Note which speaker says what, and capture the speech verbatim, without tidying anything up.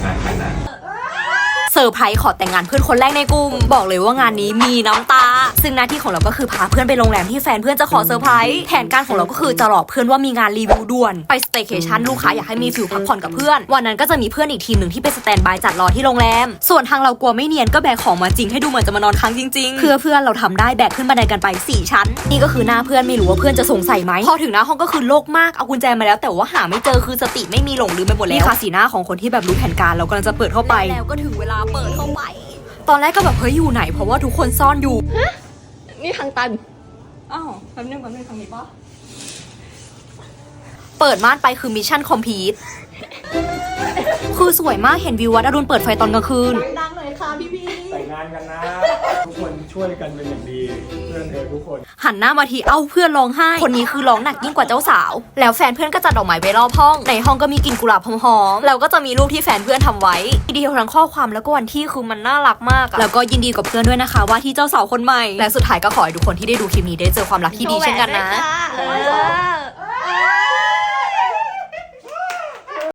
Speaker 1: งานกันนะ
Speaker 2: เซอร์ไพรส์ขอแต่งงานเพื่อนคนแรกในกลุ่มบอกเลยว่างานนี้มีน้ำตาซึ่งหน้าที่ของเราก็คือพาเพื่อนไปโรงแรมที่แฟนเพื่อนจะขอเซอร์ไพรส์แผนการของเราก็คือจะหลอกเพื่อนว่ามีงานรีวิวด่วนไปสเตย์เคชั่นลูกค้าอยากให้มีฟิลพักผ่อนกับเพื่อนวันนั้นก็จะมีเพื่อนอีกทีมหนึ่งที่ไปสแตนบายจัดรอที่โรงแรมส่วนทางเรากลัวไม่เนียนก็แบกของมาจริงให้ดูเหมือนจะมานอนค้างจริงๆเพื่อเพื่อนเราทำได้แบกขึ้นบันไดกันไปสี่ชั้นนี่ก็คือหน้าเพื่อนไม่รู้ว่าเพื่อนจะสงสัยไหมพอถึงหน้าห้องก็คือโล่งมากเอากุญแจมาแล้วแต่ว่าหาไม่เจอคือสติไม่มีหลงลืมไปหมดแล้วนี่ค่ะสีหน้าของคนที่แบบรู้แผนการเรากำลังจะเปิดเข้าไปแล้วก็ถึงเวลาเปิดเข้าไปตอนแรกก็แบบเฮ้ยอยู่ไหนเพราะว่าทุกคนซ่อนอยู่ฮะ
Speaker 3: นี่ทางตัน
Speaker 2: อ้าวแป๊บนึงแป๊บนึงทางนี้ปะเปิดม่านไปคือมิชชั่นคอมพลีทคือสวยมากเห็นวิววัดอรุณเปิดไฟตอนกลางคืน
Speaker 3: ดังหน่อยค่ะพี่พี่
Speaker 1: แต่งงานกันนะทุกคนช่วยกันเป็นอย่างดีเพื่อนเธอทุกคน
Speaker 2: หันหน้ามาทีเอ้าเพื่อนร้องไห้คนนี้คือร้องหนักยิ่งกว่าเจ้าสาวแล้วแฟนเพื่อนก็จัดดอกไม้ไว้รอบห้องในห้องก็มีกลิ่นกุหลาบหอมๆแล้วก็จะมีรูปที่แฟนเพื่อนทำไว้ดีเทลทั้งข้อความแล้วก็วันที่คือมันน่ารักมากแล้วก็ยินดีกับเพื่อนด้วยนะคะว่าที่เจ้าสาวคนใหม่และสุดท้ายก็ขอให้ทุกคนที่ได้ดูคลิปนี้ได้เจอความรักที่ดีเช่นกันนะ